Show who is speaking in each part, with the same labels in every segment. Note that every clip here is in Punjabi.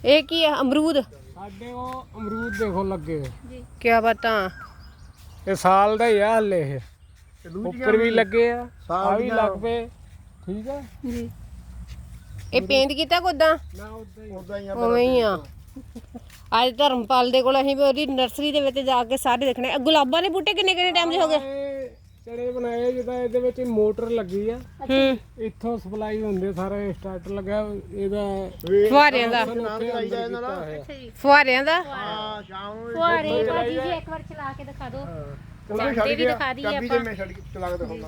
Speaker 1: ਇਹ ਕੀ ਹੈ? ਅਮਰੂਦ।
Speaker 2: ਸਾਡੇ ਉਹ ਅਮਰੂਦ ਦੇਖੋ ਲੱਗੇ
Speaker 1: ਜੀ ਕੀ ਬਾਤਾਂ।
Speaker 2: ਇਹ ਸਾਲ ਦਾ ਹੀ ਆ ਹਲੇ ਇਹ ਉੱਪਰ ਵੀ ਲੱਗੇ ਆ ਵੀ ਲੱਗ ਪਏ ਠੀਕ ਆ
Speaker 1: ਜੀ। ਇਹ ਪੇਂਟ ਕੀਤਾ ਕੋਦਾਂ
Speaker 2: ਨਾ ਉਦਾਂ ਹੀ
Speaker 1: ਉਵੇਂ ਹੀ ਆ। ਅੱਜ ਧਰਮਪਾਲ ਦੇ ਕੋਲ ਅਸੀਂ ਵੀ ਉਹਦੀ ਨਰਸਰੀ ਦੇ ਵਿੱਚ ਜਾ ਕੇ ਸਾਰੇ ਦੇਖਣੇ। ਗੁਲਾਬਾਂ ਦੇ ਬੂਟੇ ਕਿੰਨੇ ਕਿੰਨੇ ਟਾਈਮ ਦੇ ਹੋ ਗਏ?
Speaker 2: ਚੜੇ ਬਣਾਏ ਜਿੱਦਾਂ ਇਹਦੇ ਵਿੱਚ ਮੋਟਰ ਲੱਗੀ ਆ
Speaker 1: ਹੂੰ
Speaker 2: ਇੱਥੋਂ ਸਪਲਾਈ ਹੁੰਦੇ ਸਾਰੇ ਸਟਾਰਟਰ ਲੱਗਾ ਇਹਦਾ
Speaker 1: ਫੁਹਾਰਿਆਂ ਦਾ ਫੁਹਾਰਿਆਂ ਦਾ
Speaker 3: ਹਾਂ ਸ਼ਾਮ ਨੂੰ
Speaker 4: ਫੁਹਾਰੇ ਭਾਜੀ ਜੀ ਇੱਕ ਵਾਰ ਚਲਾ ਕੇ ਦਿਖਾ ਦਿਓ।
Speaker 3: ਚਲੋ
Speaker 4: ਝੰਡੇ ਵੀ ਦਿਖਾ ਦਈਏ
Speaker 3: ਚਾਬੀ
Speaker 4: ਆਪਾਂ।
Speaker 3: ਤੇ ਮੈਂ ਛੱਡ ਕੇ ਚਲਾ ਕੇ ਦਿਖਾਉਣਾ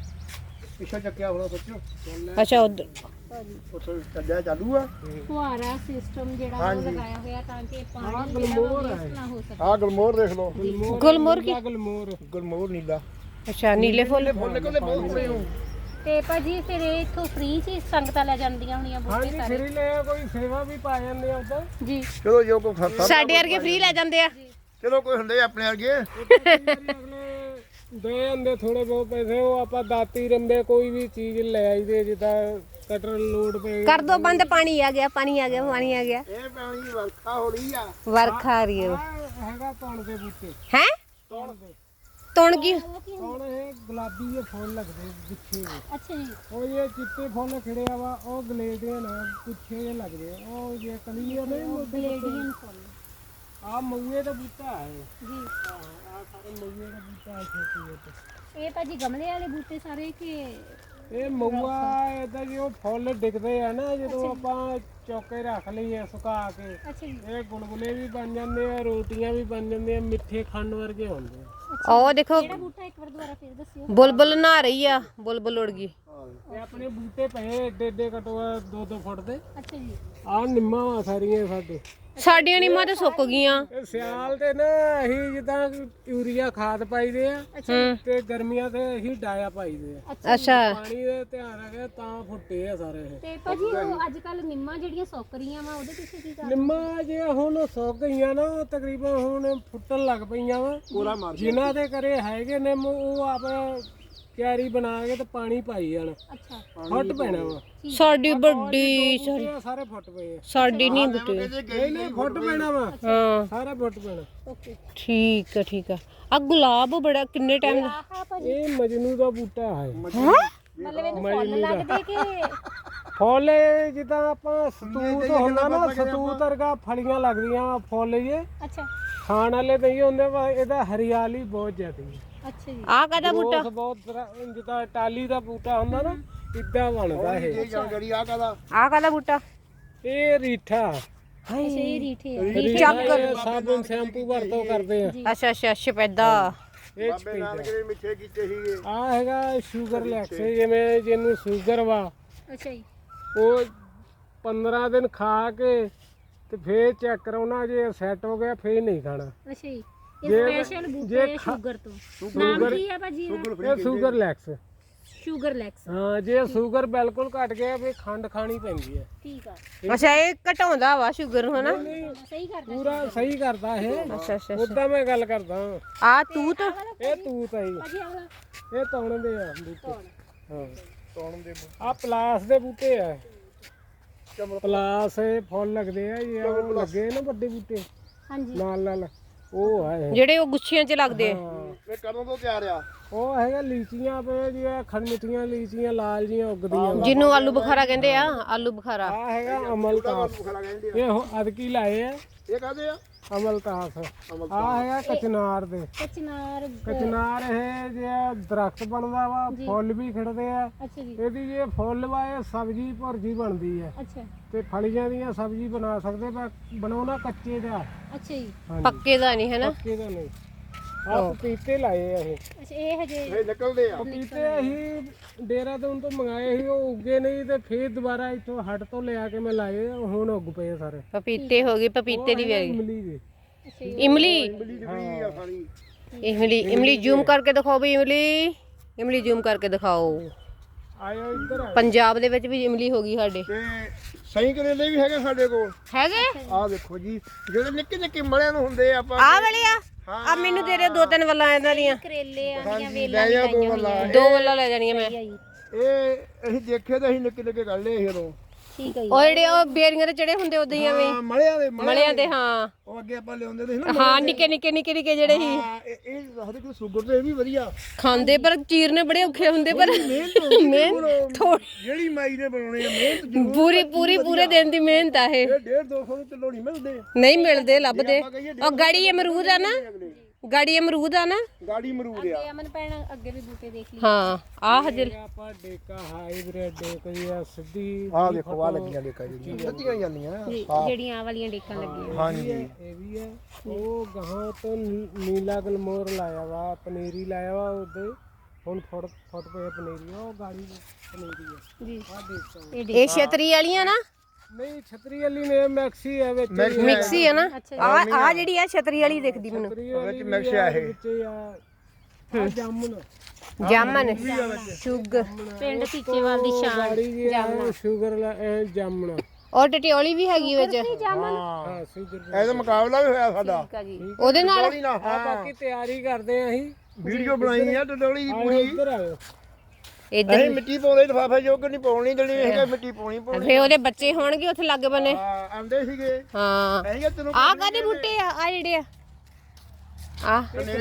Speaker 3: ਪਿੱਛੇ ਚੱਕਿਆ ਹੋਣਾ ਸੋਚੋ
Speaker 1: ਅੱਛਾ ਉਧਰ
Speaker 3: ਉੱਥੇ ਚੱਲਿਆ ਚਾਲੂ ਆ
Speaker 4: ਫੁਹਾਰਾ ਸਿਸਟਮ ਜਿਹੜਾ ਉਹ ਲਗਾਇਆ ਹੋਇਆ ਤਾਂ ਕਿ ਪਾਣੀ
Speaker 2: ਗਲਮੋਰ ਹੈ
Speaker 4: ਵੇਸਟ ਨਾ ਹੋ ਸਕੇ।
Speaker 3: ਆਹ ਗਲਮੋਰ ਦੇਖ ਲਓ
Speaker 1: ਗੁਲਮੋਹਰ ਕੀ?
Speaker 3: ਗਲਮੋਰ ਨੀਲਾ
Speaker 1: ਅੱਛਾ ਨੀਲੇ ਫੁੱਲ।
Speaker 3: ਫੁੱਲ ਕੋਲੇ ਬਹੁਤ ਸੋਹਣੇ ਹੋ
Speaker 4: ਤੇ ਭਾਜੀ ਫਿਰ ਇਹ ਇੱਥੋਂ ਫ੍ਰੀ ਚ ਸੰਗਤਾਂ ਲੈ ਜਾਂਦੀਆਂ ਹੋਣੀਆਂ ਬੂਟੇ
Speaker 2: ਹਾਂਜੀ
Speaker 4: ਸਾਰੇ।
Speaker 2: ਫਰੀ ਲੈ ਕੋਈ ਸੇਵਾ ਵੀ ਪਾ ਜਾਂਦੇ ਆ ਉਦਾਂ
Speaker 4: ਜੀ
Speaker 3: ਚਲੋ ਜੋ ਕੋ ਖਰਚਾ
Speaker 1: ਸਾਡੇ ਵਰਗੇ ਫ੍ਰੀ ਲੈ ਜਾਂਦੇ ਆ।
Speaker 3: ਚਲੋ ਕੋਈ ਹੁੰਦੇ ਆਪਣੇ ਵਰਗੇ
Speaker 2: ਅਗਲੇ ਦੇ ਜਾਂਦੇ ਥੋੜੇ ਬਹੁਤ ਪੈਸੇ ਉਹ ਆਪਾਂ ਦਾਤੀ ਰੰਬੇ ਕੋਈ ਵੀ ਚੀਜ਼ ਲੈ ਆਈਦੇ ਜਿੱਦਾਂ ਕਟਰ ਲੋਡ ਪਏ
Speaker 1: ਕਰ ਦੋ ਬੰਦ। ਪਾਣੀ ਆ ਗਿਆ ਪਾਣੀ ਆ ਗਿਆ ਪਾਣੀ ਆ ਗਿਆ।
Speaker 3: ਇਹ ਪਾਣੀ ਵਰਖਾ ਹੋ ਰਹੀ ਆ
Speaker 1: ਵਰਖਾ ਆ ਰਹੀ ਹੈ।
Speaker 2: ਹੈਗਾ ਧੌਣ ਦੇ ਬੂਟੇ
Speaker 1: ਹੈ
Speaker 2: ਧੌਣ ਦੇ
Speaker 1: ਤੁਣ ਕੀ?
Speaker 2: ਹੁਣ ਇਹ ਗੁਲਾਬੀ ਜਿਹੇ ਫੁੱਲ ਲੱਗਦੇ ਗੁੱਛੇ ਜਿਹੇ।
Speaker 4: ਅੱਛਾ ਜੀ।
Speaker 2: ਉਹ ਇਹ ਚਿੱਟੇ ਫੁੱਲ ਖਿੜਿਆ ਵਾ ਉਹ ਗਲੇਡੀਅਨ ਆ ਗੁੱਛੇ ਜਿਹੇ ਲੱਗਦੇ ਆ ਉਹ ਜੇ ਕਲੀਆਂ ਨਹੀਂ
Speaker 4: ਬਲੇਡੀਅਨ ਫੁੱਲ
Speaker 2: ਆ ਮਊਏ ਦਾ ਬੂਟਾ ਹੈ
Speaker 4: ਜੀ।
Speaker 2: ਆ ਸਾਰੇ ਮਊਏ ਦਾ ਬੂਟਾ ਹੈ ਛੋਟੇ ਜਿਹੇ
Speaker 4: ਇਹ ਭਾਜੀ ਗਮਲੇ ਵਾਲੇ ਬੂਟੇ ਸਾਰੇ ਕਿ
Speaker 2: ਇਹ ਮਊਆ ਇਹਦਾ ਜੀ ਉਹ ਫੁੱਲ ਦਿਖਦੇ ਆ ਨਾ ਜਦੋਂ ਆਪਾਂ ਚੌਕੇ ਰੱਖ ਲਈਏ ਸੁਕਾ ਕੇ
Speaker 4: ਅੱਛਾ ਜੀ।
Speaker 2: ਇਹ ਗੁਲਗੁਲੇ ਵੀ ਬਣ ਜਾਂਦੇ ਆ ਰੋਟੀਆਂ ਵੀ ਬਣ ਜਾਂਦੀਆਂ ਮਿੱਠੇ ਖੰਡ ਵਰਗੇ ਹੁੰਦੇ ਆ
Speaker 1: ਉਹ ਦੇਖੋ
Speaker 4: ਕਿਹੜਾ ਬੂਟਾ ਇੱਕ ਵਾਰ ਦੁਬਾਰਾ ਫਿਰ ਦੱਸਿਓ।
Speaker 1: ਬੁਲਬੁਲ ਨਹਾ ਰਹੀ ਆ। ਬੁਲਬੁਲ ਉੜ ਗਈ।
Speaker 2: ਇਹ ਆਪਣੇ ਬੂਟੇ ਪਏ ਏਡੇ ਏਡੇ ਕਟੋਆ 2-2 ਫੁੱਟ ਦੇ
Speaker 4: ਅੱਛਾ ਜੀ।
Speaker 2: ਆਹ ਨਿੰਮਾਂ ਵਾ ਸਾਰੀਆਂ ਸਾਡੇ
Speaker 1: ਸਾਡੀਆਂ ਨੀਮਾਂ ਤੇ ਸੁੱਕ ਗਈਆਂ।
Speaker 2: ਇਹ ਸਿਆਲ ਤੇ ਨਾ ਅਸੀਂ ਜਿੱਦਾਂ ਯੂਰੀਆ ਖਾਦ ਪਾਈਦੇ ਆ ਤੇ ਗਰਮੀਆਂ ਤੇ ਅਸੀਂ ਡਾਇਆ ਪਾਈਦੇ ਆ
Speaker 1: ਅੱਛਾ
Speaker 2: ਪਾਣੀ ਦੇ ਧਿਆਨ ਰੱਖਿਆ ਤਾਂ ਫੁੱਟੇ ਆ ਸਾਰੇ ਇਹ
Speaker 4: ਤੇ ਭਾਜੀ ਉਹ ਅੱਜ ਕੱਲ ਨਿੰਮਾਂ ਜਿਹੜੀਆਂ ਸੁੱਕ ਰਹੀਆਂ ਵਾ ਉਹਦੇ ਪਿੱਛੇ ਕੀ ਕਰ?
Speaker 2: ਨਿੰਮਾਂ ਜੇ ਹੁਣ ਸੁੱਕ ਗਈਆਂ ਨਾ ਉਹ ਤਕਰੀਬਨ ਹੁਣ ਫੁੱਟਣ ਲੱਗ ਪਈਆਂ ਵਾ ਜਿਨ੍ਹਾਂ ਦੇ ਘਰੇ ਹੈਗੇ ਨਿੰਮ ਉਹ ਆਪ ਕਿਆਰੀ ਬਣਾ ਕੇ ਤੇ ਪਾਣੀ ਪਾਈ ਜਾਣ
Speaker 4: ਅੱਛਾ
Speaker 2: ਫੁੱਟ ਪੈਣਾ ਵਾ
Speaker 1: ਸਾਡੀ ਵੱਡੀ ਸਾਰੀ
Speaker 2: ਇਹ ਸਾਰੇ ਫੁੱਟ ਪਏ ਆ
Speaker 1: ਸਾਡੀ ਨਹੀਂ ਬੁੱਟੇ।
Speaker 2: ਨਹੀਂ ਫੁੱਟ ਪੈਣਾ ਵਾ
Speaker 1: ਹਾਂ
Speaker 2: ਸਾਰਾ ਫੁੱਟ ਪੈਣਾ
Speaker 4: ਓਕੇ।
Speaker 1: ਠੀਕ ਆ ਠੀਕ ਆ। ਆ ਗੁਲਾਬ ਬੜਾ ਕਿੰਨੇ ਟਾਈਮ ਦਾ?
Speaker 4: ਆਹ ਭਾਜੀ
Speaker 2: ਇਹ ਮਜਨੂ ਦਾ ਬੂਟਾ ਹੈ
Speaker 4: ਮਤਲਬ ਇਹਨੂੰ ਫੁੱਲ ਲੱਗਦੇ ਕਿ
Speaker 2: ਫੁੱਲ ਜਿੱਦਾਂ ਆਪਾਂ ਸਤੂਤ ਹੁੰਦਾ ਨਾ ਸਤੂਤ ਵਰਗਾ ਫਲੀਆਂ ਲੱਗਦੀਆਂ ਫੁੱਲ ਜੇ
Speaker 4: ਅੱਛਾ
Speaker 2: ਖਾਣ ਵਾਲੇ ਨਹੀਂ ਹੁੰਦੇ ਵਾ ਇਹਦਾ ਹਰਿਆਲੀ ਬਹੁਤ ਜ਼ਿਆਦੀ ਹੈ
Speaker 4: ਅੱਛਾ ਜੀ।
Speaker 1: ਆ ਕਾਹਦਾ ਬੂਟਾ?
Speaker 2: ਬਹੁਤ ਬਹੁਤ ਤਰ੍ਹਾਂ ਜਿੱਦਾਂ ਟਾਲੀ ਦਾ ਬੂਟਾ ਹੁੰਦਾ ਨਾ ਇਦਾਂ ਬਣਦਾ ਇਹ
Speaker 3: ਇਹ ਜਾਣਕਾਰੀ ਆ ਕਾਦਾ
Speaker 1: ਆ ਕਾਹਦਾ ਬੂਟਾ?
Speaker 2: ਇਹ ਰੀਠਾ
Speaker 4: ਅੱਛਾ ਇਹ ਰੀਠੇ ਆ।
Speaker 2: ਰੀਠਾ ਇਹ ਸਾਬਣ ਸ਼ੈਂਪੂ ਵਰਤੋਂ ਕਰਦੇ ਆ
Speaker 1: ਅੱਛਾ ਅੱਛਾ ਸ਼ਪੈਦਾ।
Speaker 2: ਇਹ ਚ
Speaker 3: ਬਾਬੇ
Speaker 2: ਪੈਂਦਾ
Speaker 3: ਨਾਨਕ ਨੇ ਮਿੱਠੇ ਕੀਤੇ ਸੀਗੇ
Speaker 2: ਆ ਹੈਗਾ ਸ਼ੂਗਰ ਲੈਕਸ ਜਿਵੇਂ ਜਿਹਨੂੰ ਸ਼ੂਗਰ ਵਾ
Speaker 4: ਅੱਛਾ ਜੀ।
Speaker 2: ਉਹ 15 ਦਿਨ ਖਾ ਕੇ ਤੇ ਫੇਰ ਚੈੱਕ ਕਰਾਉਣਾ ਜੇ ਸੈੱਟ ਹੋ ਗਿਆ ਫੇਰ ਨਹੀਂ ਖਾਣਾ
Speaker 4: ਅੱਛਾ ਜੀ। ਇਹ ਸਪੈਸ਼ਲ ਬੂਟੇ ਆ ਸ਼ੂਗਰ ਤੋਂ। ਨਾਮ ਕੀ ਹੈ ਭਾਜੀ ਇਹਦਾ?
Speaker 2: ਇਹ ਸ਼ੂਗਰ ਲੈਕਸ
Speaker 4: ਸ਼ੂਗਰ ਲੈਕਸ।
Speaker 2: ਹਾਂ ਜੇ ਸ਼ੂਗਰ ਬਿਲਕੁਲ ਘਟ ਗਿਆ ਫੇਰ ਖੰਡ ਖਾਣੀ ਪੈਂਦੀ ਹੈ
Speaker 4: ਠੀਕ ਆ।
Speaker 1: ਅੱਛਾ ਇਹ ਘਟਾਉਂਦਾ ਵਾ ਸ਼ੂਗਰ ਨੂੰ ਹਨਾ?
Speaker 4: ਸਹੀ ਕਰਦਾ।
Speaker 2: ਪੂਰਾ ਸਹੀ ਕਰਦਾ ਇਹ
Speaker 1: ਅੱਛਾ ਅੱਛਾ
Speaker 2: ਉਦਾਂ ਮੈਂ ਗੱਲ ਕਰਦਾ
Speaker 1: ਆ ਤੂਤ।
Speaker 2: ਇਹ ਤੂਤ ਹੈ ਜੀ।
Speaker 4: ਭਾਜੀ ਆਹ ਵਾਲਾ
Speaker 2: ਇਹ ਤੌਣ ਦੇ ਆ ਬੂਟੇ ਹਾਂ
Speaker 3: ਤੌਣ ਦੇ
Speaker 2: ਆ ਪਲਾਸ ਦੇ ਬੂਟੇ ਆ ਪਲਾਸ ਇਹ ਫੁੱਲ ਲੱਗਦੇ ਆ ਇਹ ਉਹ ਲੱਗੇ ਨਾ ਵੱਡੇ ਬੂਟੇ
Speaker 4: ਹਾਂਜੀ।
Speaker 2: ਨਾਲ ਨਾਲ ਉਹ ਆ ਇਹ।
Speaker 1: ਜਿਹੜੇ ਉਹ ਗੁੱਛੀਆਂ 'ਚ ਲੱਗਦੇ ਆ।
Speaker 2: ਹਾਂ
Speaker 3: ਇਹ ਕਦੋਂ ਤੋਂ ਤਿਆਰ ਆ
Speaker 2: ਉਹ ਹੈਗਾ ਲੀਚੀਆਂ ਪਏ ਜਿਹੜੀਆਂ ਖੰਡਮਿੱਠੀਆਂ ਲੀਚੀਆਂ ਲਾਲ ਜੀਆਂ ਉੱਗਦੀਆਂ
Speaker 1: ਜਿਹਨੂੰ ਆਲੂ ਬੁਖਾਰਾ ਕਹਿੰਦੇ ਆ। ਆਲੂ ਬੁਖਾਰਾ।
Speaker 2: ਆ ਹੈਗਾ ਅਮਲਤਾਸ
Speaker 3: ਬੁਖਾਰਾ ਕਹਿੰਦੇ ਆ
Speaker 2: ਇਹ ਅਦਕੀ ਲਾਏ ਆ
Speaker 3: ਇਹ ਕਾਦੇ ਆ
Speaker 2: ਅਮਲਤਾਸ ਆ ਹੈਗਾ ਕਚਨਾਰ ਦੇ
Speaker 4: ਕਚਨਾਰ।
Speaker 2: ਕਚਨਾਰ ਇਹ ਜੇ ਦਰਖਤ ਬਣਦਾ ਵਾ ਫੁੱਲ ਵੀ ਖਿੜਦੇ ਆ
Speaker 4: ਅੱਛਾ ਜੀ।
Speaker 2: ਇਹਦੀ ਜੇ ਫੁੱਲ ਵਾ ਇਹ ਸਬਜ਼ੀ ਭੁਰਜੀ ਬਣਦੀ ਹੈ
Speaker 4: ਅੱਛਾ
Speaker 2: ਤੇ ਫਲੀਆਂ ਦੀਆਂ ਸਬਜ਼ੀ ਬਣਾ ਸਕਦੇ ਪਰ ਬਣਾਉਣਾ ਕੱਚੇ ਦਾ
Speaker 4: ਅੱਛਾ ਜੀ।
Speaker 2: ਹਾਂਜੀ
Speaker 1: ਪੱਕੇ ਦਾ ਨਹੀਂ ਹੈਨਾ?
Speaker 2: ਪੱਕੇ ਦਾ ਨਹੀਂ ਆ ਪਪੀਤੇ ਲਾਏ ਆ ਇਹ
Speaker 4: ਅੱਛਾ ਇਹ ਹਜੇ
Speaker 3: ਇਹ ਨਿਕਲਦੇ ਆ
Speaker 2: ਪਪੀਤੇ ਅਸੀਂ ਦੇਹਰਾਦੂਨ ਤੋਂ ਮੰਗਾਏ ਸੀ ਉਹ ਉੱਗੇ ਨਹੀਂ ਤੇ ਫੇਰ ਦੁਬਾਰਾ ਇੱਥੋਂ ਹੱਟ ਤੋਂ ਲਿਆ ਕੇ ਮੈਂ ਲਾਏ ਹੁਣ ਉੱਗ ਪਏ ਸਾਰੇ
Speaker 1: ਪਪੀਤੇ ਹੋ ਗਏ ਪਪੀਤੇ ਦੀ ਵੈਰੀ।
Speaker 2: ਇਮਲੀ ਦੇ
Speaker 1: ਇਮਲੀ
Speaker 3: ਬਿੱਲੀ ਦੀ ਵੀ ਆ ਸਾਰੀ
Speaker 1: ਇਮਲੀ ਇਮਲੀ ਜ਼ੂਮ ਕਰਕੇ ਦਿਖਾਓ ਵੀ ਇਮਲੀ। ਇਮਲੀ ਜ਼ੂਮ ਕਰਕੇ ਦਿਖਾਓ।
Speaker 2: ਆਇਓ ਇੱਧਰ ਆ
Speaker 1: ਪੰਜਾਬ ਦੇ ਵਿੱਚ ਵੀ ਇਮਲੀ ਹੋ ਗਈ ਸਾਡੇ।
Speaker 3: ਤੇ ਸਹੀ ਕਰੇਲੇ ਵੀ ਹੈਗੇ ਸਾਡੇ ਕੋਲ
Speaker 1: ਹੈਗੇ?
Speaker 3: ਆਹ ਦੇਖੋ ਜੀ ਜਿਹੜੇ ਨਿੱਕੇ ਨਿੱਕੇ ਮਲਿਆਂ ਨੂੰ ਹੁੰਦੇ ਆ ਆਪਾਂ
Speaker 1: ਆ ਵਾਲੇ ਆ? ਆ ਮੈਨੂੰ ਦੇ ਦੇ 2-3 ਵੱਲਾਂ ਇਹਨਾਂ ਦੀਆਂ।
Speaker 4: ਕਰੇਲੇ ਆਂਦੀਆਂ
Speaker 3: ਲੈ
Speaker 4: ਵੇਲਾਂ
Speaker 3: ਜਾ ਦੋ ਗੱਲਾਂ
Speaker 1: 2 ਵੱਲਾਂ ਲੈ ਜਾਣੀਆਂ ਮੈਂ।
Speaker 3: ਇਹ ਅਸੀਂ ਦੇਖੇ ਤਾਂ ਅਸੀਂ ਨਿੱਕੇ ਨਿੱਕੇ ਕੱਢ ਲਏ ਸੀ ਉਦੋਂ
Speaker 4: ਠੀਕ ਹੈ ਜੀ।
Speaker 1: ਉਹ ਜਿਹੜੇ ਉਹ ਬੇਰੀਆਂ ਦੇ ਚੜੇ ਹੁੰਦੇ ਉਦਾਂ ਹੀ ਐਵੇਂ
Speaker 3: ਹਾਂ ਮਲਿਆਂ ਦੇ
Speaker 1: ਮਲਿਆਂ ਦੇ ਹਾਂ
Speaker 3: ਉਹ ਅੱਗੇ ਆਪਾਂ ਲਿਆਉਂਦੇ ਸੀ ਨਾ
Speaker 1: ਹਾਂ ਨਿੱਕੇ ਨਿੱਕੇ ਨਿੱਕੇ ਨਿੱਕੇ ਜਿਹੜੇ ਸੀ
Speaker 3: ਹਾਂ, ਇਹ ਦੱਸਦੇ ਕਿ ਸ਼ੂਗਰ ਤੇ ਇਹ ਵੀ ਵਧੀਆ
Speaker 1: ਖਾਂਦੇ ਪਰ ਚੀਰਨੇ ਬੜੇ ਔਖੇ ਹੁੰਦੇ ਪਰ ਮਿਹਨਤ ਥੋੜੀ
Speaker 3: ਜਿਹੜੀ ਮਾਈ ਨੇ ਬਣਾਉਣੇ ਆ ਮਿਹਨਤ ਜ਼ਰੂਰ
Speaker 1: ਪੂਰੇ ਦਿਨ ਦੀ ਮਿਹਨਤ ਆ ਇਹ
Speaker 3: ਇਹ 150-200 ਦੇ ਕਿਲੋ ਨਹੀਂ ਮਿਲਦੇ
Speaker 1: ਨਹੀਂ ਮਿਲਦੇ ਲੱਭਦੇ ਉਹ ਗਾੜੀ ਅਮਰੂਦ ਆ ਨਾ ਗਾੜੀ ਅਮਰੂਦ ਆ ਨਾ
Speaker 3: ਗਾੜੀ ਮਰੂਦ ਆ
Speaker 4: ਅਮਨ ਭੈਣ ਅੱਗੇ ਵੀ ਬੂਟੇ ਦੇਖ ਲਈ।
Speaker 1: ਹਾਂ ਆ ਹਜਰ
Speaker 2: ਆਪਾਂ ਡੇਕਾ ਹਾਈਬ੍ਰਿਡ ਡੇਕ ਦੀ ਆ ਸਿੱਧੀ
Speaker 3: ਆਹ ਦੇਖੋ ਆ ਲੱਗੀਆਂ ਦੇਖਾ ਜਿਹੜੀਆਂ ਸੱਚੀਆਂ ਜਾਂਦੀਆਂ
Speaker 4: ਜਿਹੜੀਆਂ ਆ ਵਾਲੀਆਂ ਡੇਕਾਂ ਲੱਗੀਆਂ।
Speaker 3: ਹਾਂਜੀ
Speaker 2: ਇਹ ਵੀ ਹੈ ਉਹ ਗਾਹਾਂ ਤੋਂ ਨੀਲਾ ਗਲਮੋਰ ਲਾਇਆ ਵਾ ਪਨੀਰੀ ਲਾਇਆ ਵਾ ਉਹਦੇ ਹੁਣ ਫੁੱਟ ਪਏ ਪਨੀਰੀ ਉਹ ਗਾੜੀ ਪਨੀਰੀ ਹੈ
Speaker 4: ਜੀ
Speaker 2: ਆ ਦੇਖੋ
Speaker 1: ਇਹ ਛਤਰੀ ਵਾਲੀਆਂ ਨਾ
Speaker 2: ਨਹੀਂ ਛਤਰੀ ਵਾਲੀ ਨੇ ਮੈਕਸੀ ਹੈ ਵਿੱਚ
Speaker 1: ਮਿਕਸੀ ਹੈ ਨਾ ਆ ਜਿਹੜੀ ਆ ਛਤਰੀ ਵਾਲੀ ਦਿਖਦੀ ਮੈਨੂੰ
Speaker 3: ਵਿੱਚ ਮਿਕਸ ਆ ਇਹ
Speaker 2: ਵਿੱਚ ਆ ਜਾਮਨ
Speaker 1: ਜਾਮਨ ਸ਼ੂਗਰ
Speaker 4: ਪਿੰਡ ਟੀਚੇਵਾਲ ਦੀ ਸ਼ਾਨ
Speaker 2: ਗਾੜੀ ਜੀ ਆ ਸ਼ੂਗਰ ਜਾਮਨ
Speaker 1: ਔਰ ਟਟਿਓਲੀ ਵੀ ਹੈਗੀ ਵਿੱਚ
Speaker 2: ਹਾਂ ਸ਼ੂਗਰ
Speaker 3: ਇਹਦਾ ਮੁਕਾਬਲਾ ਵੀ ਹੋਇਆ ਸਾਡਾ
Speaker 1: ਉਹਦੇ ਨਾਲ
Speaker 3: ਥੋੜੀ ਨਾ
Speaker 2: ਆ ਬਾਕੀ ਤਿਆਰੀ ਕਰਦੇ ਆ ਅਸੀਂ
Speaker 3: ਵੀਡੀਓ ਬਣਾਈ ਆ ਡਡੋਲੀ ਦੀ
Speaker 2: ਆਓ
Speaker 3: ਪੂਰੀ
Speaker 2: ਇੱਧਰ ਆਇਓ
Speaker 1: ਇੱਧਰ
Speaker 3: ਅਸੀਂ ਮਿੱਟੀ ਪਾਉਂਦੇ ਲਿਫਾਫੇ ਜੋ ਕਿ ਨਹੀਂ ਪਾਉਣੀ ਦੇਣੀ ਹੈਗਾ ਮਿੱਟੀ ਪਾਉਣੀ
Speaker 1: ਫੇ ਉਹਦੇ ਬੱਚੇ ਹੋਣਗੇ ਉੱਥੇ ਲੱਗ ਬਨੇ
Speaker 3: ਹਾਂ ਆਂਦੇ ਸੀਗੇ
Speaker 1: ਹਾਂ
Speaker 3: ਅਸੀਂ ਕਿਹਾ ਤੈਨੂੰ
Speaker 1: ਆ ਕਾਦੇ ਬੂਟੇ ਆ ਜਿਹੜੇ ਆ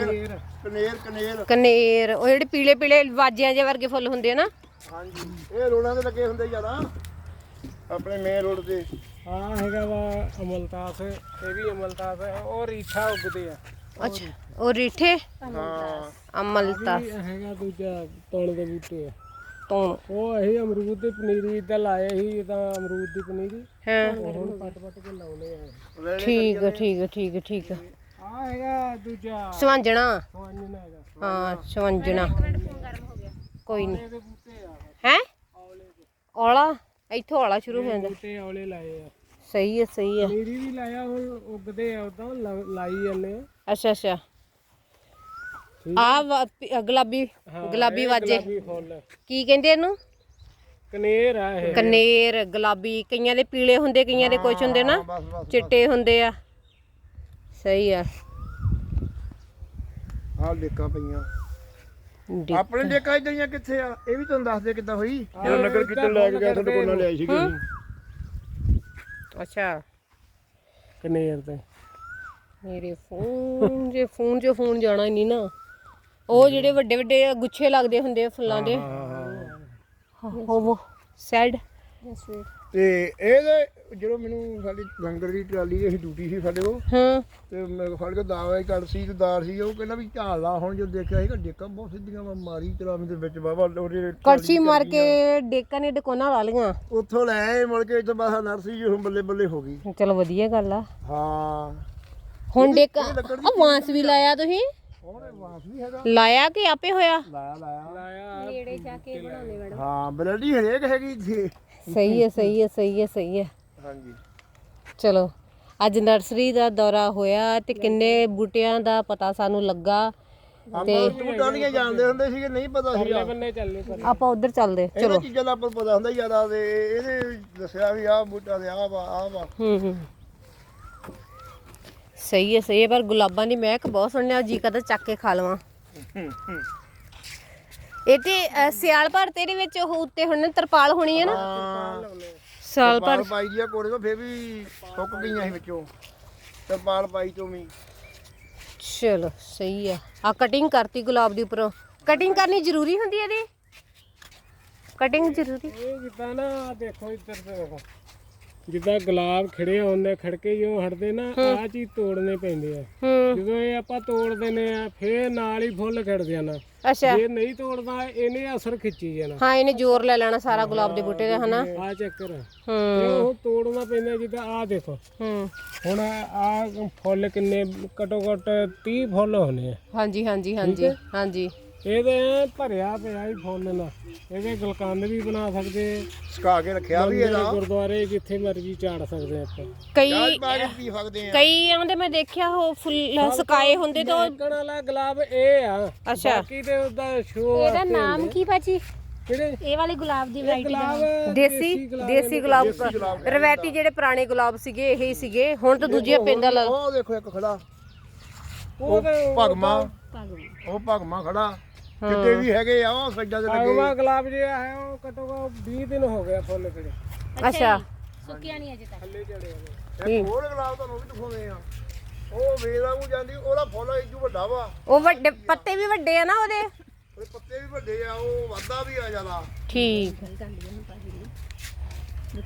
Speaker 3: ਕਨੇਰ
Speaker 1: ਕਨੇਰ ਉਹ ਜਿਹੜੇ ਪੀਲੇ ਪੀਲੇ ਵਾਜਿਆਂ ਜਿਹੇ ਵਰਗੇ ਫੁੱਲ ਹੁੰਦੇ ਆ ਨਾ
Speaker 3: ਹਾਂਜੀ ਇਹ ਰੋਡਾਂ ਤੇ ਲੱਗੇ ਹੁੰਦੇ ਜ਼ਿਆਦਾ ਆਪਣੇ ਮੇਨ ਰੋਡ ਤੇ
Speaker 2: ਆ ਹੈਗਾ ਵਾ ਅਮਲਤਾਸ ਇਹ ਵੀ ਅਮਲਤਾਸ ਹੈ ਉਹ ਰੀਠਾ ਉੱਗਦੇ ਆ
Speaker 1: ਅੱਛਾ ਉਹ ਰੀਠੇ
Speaker 3: ਹਾਂ
Speaker 1: ਅਮਲਤਾ
Speaker 2: ਇਹ ਹੈਗਾ ਦੂਜਾ ਤਣ ਦੇ ਬੂਟੇ ਆ
Speaker 1: ਤੋਂ
Speaker 2: ਉਹ ਅਸੀਂ ਅਮਰੂਦ ਦੀ ਪਨੀਰੀ ਇੱਦਾਂ ਲਾਏ ਸੀ ਤਾਂ ਅਮਰੂਦ ਦੀ ਪਨੀਰੀ
Speaker 1: ਹਾਂ
Speaker 2: ਹੁਣ ਪੱਟ ਕੇ ਲਾਉਣੇ ਆ
Speaker 1: ਠੀਕ ਆ
Speaker 2: ਆ ਹੈਗਾ ਦੂਜਾ
Speaker 1: ਸਵੰਜਣਾ
Speaker 2: ਸਵਾਂਜਣਾ ਹੈਗਾ
Speaker 1: ਹਾਂ ਸਵੰਜਣਾ ਕੋਈ ਨਹੀਂ
Speaker 2: ਇਹਦੇ ਬੂਟੇ ਆ
Speaker 1: ਹੈ
Speaker 2: ਔਲੇ ਦੇ
Speaker 1: ਔਲਾ ਇੱਥੋਂ ਔਲਾ ਸ਼ੁਰੂ ਹੋ ਜਾਂਦਾ
Speaker 2: ਬੂਟੇ ਔਲੇ ਲਾਏ ਆ
Speaker 1: ਸਹੀ ਹੈ
Speaker 2: ਪਨੀਰੀ ਵੀ ਲਾਇਆ ਹੁਣ ਉੱਗਦੇ ਆ ਉਦਾਂ ਲਾਈ ਜਾਂਦੇ ਆ
Speaker 1: ਅੱਛਾ ਆ ਗੁਲਾਬੀ ਵਾਜੇ
Speaker 2: ਗੁਲਾਬੀ ਫੁੱਲ
Speaker 1: ਕੀ ਕਹਿੰਦੇ ਇਹਨੂੰ
Speaker 2: ਕਨੇਰ ਆ ਇਹ
Speaker 1: ਕਨੇਰ ਗੁਲਾਬੀ ਕਈਆਂ ਦੇ ਪੀਲੇ ਹੁੰਦੇ ਕਈਆਂ ਦੇ ਕੁਛ ਹੁੰਦੇ ਨਾ ਚਿੱਟੇ ਹੁੰਦੇ ਆ ਸਹੀ ਆ
Speaker 3: ਆਹ ਡੇਕਾਂ ਪਈਆਂ ਆਪਣੇ ਡੇਕਾਂ ਇਦਾਂ ਕਿੱਥੇ ਆ ਇਹ ਵੀ ਤੁਹਾਨੂੰ ਦੱਸ ਦੇ ਕਿੱਦਾਂ ਹੋਈ ਜਦੋਂ ਨਗਰ ਕੀਰਤਨ ਲੈ ਕੇ ਗਿਆ ਤੁਹਾਡੇ ਕੋਲ ਨਾਲ ਲਿਆਈ ਸੀਗੀ
Speaker 1: ਅੱਛਾ
Speaker 2: ਕਨੇਰ ਤੇ
Speaker 1: ਮੇਰੇ ਫੋਨ ਜਾਣਾ ਹੀ ਨਹੀਂ ਨਾ ਉਹ ਜਿਹੜੇ ਵੱਡੇ ਵੱਡੇ ਗੁੱਛੇ ਲੱਗਦੇ ਹੁੰਦੇ ਆ ਫੁੱਲਾਂ ਦੇ ਉਹ ਸੈਡ
Speaker 3: ਤੇ ਇਹਦੇ ਜਦੋਂ ਮੈਨੂੰ ਸਾਡੀ ਲੰਗਰ ਦੀ ਟਰਾਲੀ ਦੀ ਡਿਊਟੀ ਸੀ ਸਾਡੇ ਕੋਲ
Speaker 1: ਹਾਂ
Speaker 3: ਤੇ ਮੈਂ ਫੜ ਕੇ ਦਾਵਾ ਹੀ ਕੜ ਸੀ ਤੇ ਦਾਰ ਸੀ ਉਹ ਕਹਿੰਦਾ ਵੀ ਝਾਲ ਲਾ ਹੁਣ ਜੋ ਦੇਖਿਆ ਸੀਗਾ ਡੇਕਾਂ ਬਹੁਤ ਸਿੱਧੀਆਂ ਮਾਰੀ ਚਲਾਵੀ ਦੇ ਵਿੱਚ ਬਾਬਾ ਉਹਦੇ
Speaker 1: ਕੜਛੀ ਮਾਰ ਕੇ ਡੇਕਾਂ ਨੇ ਡਕੋਨਾ ਲਾ ਲੀਆਂ
Speaker 3: ਉੱਥੋਂ ਲੈ ਆਏ ਮੁੜ ਕੇ ਇੱਥੇ ਬਾਹਰ ਨਰਸਰੀ ਜੀ ਹੁਣ ਬੱਲੇ ਬੱਲੇ ਹੋ ਗਈ
Speaker 1: ਚਲੋ ਵਧੀਆ ਗੱਲ ਆ
Speaker 3: ਹਾਂ
Speaker 1: ਹੁਣ ਡੇਕਾਂ ਆ ਵਾਂਸ ਵੀ ਲਾਇਆ ਤੁਸੀਂ
Speaker 3: ਉਹਨੇ ਵਾਸ ਵੀ ਹੈਗਾ
Speaker 1: ਲਾਇਆ ਕਿ ਆਪੇ ਹੋਇਆ
Speaker 3: ਲਾਇਆ
Speaker 4: ਨੇੜੇ ਜਾ ਕੇ ਬਣਾਉਣੇ ਮੈਡਮ।
Speaker 3: ਹਾਂ ਬਲੱਡੀ ਹਰੇਕ ਹੈਗੀ ਇੱਥੇ
Speaker 1: ਸਹੀ ਹੈ
Speaker 3: ਹਾਂਜੀ
Speaker 1: ਚਲੋ ਅੱਜ ਨਰਸਰੀ ਦਾ ਦੌਰਾ ਹੋਇਆ ਤੇ ਕਿੰਨੇ ਬੂਟਿਆਂ ਦਾ ਪਤਾ ਸਾਨੂੰ ਲੱਗਾ
Speaker 3: ਆਪਾਂ ਤੂੰ ਟਾਲੀਆਂ ਜਾਣਦੇ ਹੁੰਦੇ ਸੀਗੇ ਨਹੀਂ ਪਤਾ ਸੀਗਾ
Speaker 2: ਬੰਨੇ ਚੱਲੇ ਪਰ
Speaker 1: ਆਪਾਂ ਉਧਰ ਚੱਲਦੇ
Speaker 3: ਇਹਨਾਂ ਚੀਜ਼ਾਂ ਦਾ ਆਪਾਂ ਨੂੰ ਪਤਾ ਹੁੰਦਾ ਜ਼ਿਆਦਾ ਤੇ ਇਹਦੇ ਦੱਸਿਆ ਵੀ ਆਹ ਬੂਟਾ ਤੇ ਆਹ ਵਾ
Speaker 1: ਹੂੰ ਸਹੀ ਹੈ ਪਰ ਗੁਲਾਬਾਂ ਦੀ ਮਹਿਕ ਬਹੁਤ ਸੁਣਿਆ ਜੀ ਕਦਾ ਚੱਕ ਕੇ ਖਾ ਲਵਾਂ ਇਹ ਤੇ ਸਿਆਲ ਭਰ ਤੇਰੇ ਵਿੱਚ ਉਹ ਉੱਤੇ ਹੁਣ ਤਰਪਾਲ ਹੋਣੀ ਹੈ ਨਾ ਸਾਲ ਭਰ
Speaker 3: ਪਾਈ ਦੀ ਆ ਕੋਰੇ ਤੋਂ ਫੇਰ ਵੀ ਸੁੱਕ ਗਈਆਂ ਸੀ ਵਿੱਚੋਂ ਤਰਪਾਲ ਪਾਈ ਤੋਂ ਵੀ
Speaker 1: ਚਲੋ ਸਹੀ ਆ ਕਟਿੰਗ ਕਰਤੀ ਗੁਲਾਬ ਦੀ ਉੱਪਰੋਂ ਕਟਿੰਗ ਕਰਨੀ ਜ਼ਰੂਰੀ ਹੁੰਦੀ ਹੈ ਇਹਦੀ ਕਟਿੰਗ ਜ਼ਰੂਰੀ
Speaker 2: ਇਹ ਜਿੱਦਾਂ ਨਾ ਦੇਖੋ ਇੱਧਰ ਤੇ ਦੇਖੋ ਜਿੱਦਾਂ ਗੁਲਾਬ ਖਿੜੇ ਹੁੰਦੇ ਖੜਕੇ ਜੋ ਹਟਦੇ ਨਾ ਆਹ ਚੀਜ਼ ਤੋੜਨੇ ਪੈਂਦੇ ਆ ਜਦੋਂ ਇਹ ਆਪਾਂ ਤੋੜ ਦਿੰਦੇ ਆ ਫੇਰ ਨਾਲ ਹੀ ਫੁੱਲ ਖਿੜ ਜਾਣਾ
Speaker 1: ਅੱਛਾ
Speaker 2: ਜੇ ਨਹੀਂ ਤੋੜਦਾ ਇਹਨੇ ਅਸਰ ਖਿੱਚੀ ਜਾਣਾ
Speaker 1: ਹਾਂ ਇਹਨੇ ਜ਼ੋਰ ਲੈ ਲੈਣਾ ਸਾਰਾ ਗੁਲਾਬ ਦੇ ਬੂਟੇ ਦਾ ਹਨਾ
Speaker 2: ਆ ਚੱਕਰ ਇਹ ਉਹ ਤੋੜਨਾ ਪੈਂਦਾ ਜਿੱਦਾਂ ਆਹ ਦੇਖੋ ਹੁਣ ਆ ਫੁੱਲ ਕਿੰਨੇ ਘਟੋ ਘਟ 30 ਫੁੱਲ ਹੋਣੇ ਆ
Speaker 1: ਹਾਂਜੀ
Speaker 2: ਇਹਦੇ ਭਰਿਆ ਪਿਆ ਹੀ ਫੁੱਲ ਨਾਲ ਇਹਦੇ ਗੁਲਕੰਦ ਵੀ ਬਣਾ ਸਕਦੇ
Speaker 3: ਸੁਕਾ ਕੇ ਰੱਖਿਆ ਵੀ ਇਹਦਾ
Speaker 2: ਗੁਰਦੁਆਰੇ ਜਿੱਥੇ ਮਰਜ਼ੀ ਚਾੜ ਸਕਦੇ ਆਪਾਂ
Speaker 1: ਕਈ
Speaker 3: ਪਾ ਕੇ ਪੀ ਸਕਦੇ ਆ
Speaker 1: ਕਈ ਆਂਦੇ ਮੈਂ ਦੇਖਿਆ ਉਹ ਫੁੱਲ ਸੁਕਾਏ ਹੁੰਦੇ ਤਾਂ
Speaker 2: ਦੇਖਣ ਵਾਲਾ ਗੁਲਾਬ ਇਹ ਆ
Speaker 1: ਅੱਛਾ
Speaker 2: ਬਾਕੀ ਤੇ ਉਹਦਾ ਸ਼ੋ
Speaker 4: ਇਹਦਾ ਨਾਮ ਕੀ ਭਾਜੀ
Speaker 2: ਕਿਹੜੇ
Speaker 4: ਇਹ ਵਾਲੇ ਗੁਲਾਬ ਦੀ ਵੈਰਾਈਟੀ ਦਾ
Speaker 2: ਗੁਲਾਬ
Speaker 1: ਦੇਸੀ ਗੁਲਾਬ ਰਵੈਤੀ ਜਿਹੜੇ ਪੁਰਾਣੇ ਗੁਲਾਬ ਸੀਗੇ ਇਹੀ ਸੀਗੇ ਹੁਣ ਤਾਂ ਦੂਜੀਆਂ ਪੈਂਦਾ ਲੱਗ
Speaker 3: ਉਹ ਦੇਖੋ ਇੱਕ ਖੜਾ
Speaker 2: ਉਹ ਤੇ
Speaker 3: ਭਗਮਾ ਉਹ ਭਗਮਾ ਖੜਾ ਕਿਤੇ ਵੀ ਹੈਗੇ ਆ ਉਹ ਸੱਜਾ ਦੇ ਲੱਗੇ
Speaker 2: ਆਗਵਾ ਗੁਲਾਬ ਜਿਹੜਾ ਹੈ ਉਹ ਘਟੋ ਘੱਟ 20 ਦਿਨ ਹੋ ਗਿਆ ਫੁੱਲ ਖਿੜੇ
Speaker 1: ਅੱਛਾ
Speaker 4: ਸੁੱਕੀਆਂ ਨਹੀਂ ਅਜੇ ਤੱਕ।
Speaker 2: ਥੱਲੇ ਝੜੇ ਹੋਏ।
Speaker 3: ਇੱਕ ਹੋਰ ਗੁਲਾਬ ਤੁਹਾਨੂੰ ਵੀ ਦਿਖਾਉਂਦੇ ਆ, ਉਹ ਵੇਲਾ ਨੂੰ ਜਾਂਦੀ, ਉਹਦਾ ਫੁੱਲ ਇਦੋਂ ਵੱਡਾ ਵਾ,
Speaker 1: ਉਹ ਵੱਡੇ ਪੱਤੇ ਵੀ ਵੱਡੇ ਆ ਨਾ ਉਹਦੇ।
Speaker 3: ਉਹਦੇ ਪੱਤੇ ਵੀ ਵੱਡੇ ਆ, ਉਹ ਵਾਧਾ ਵੀ ਆ ਜ਼ਿਆਦਾ।
Speaker 1: ਠੀਕ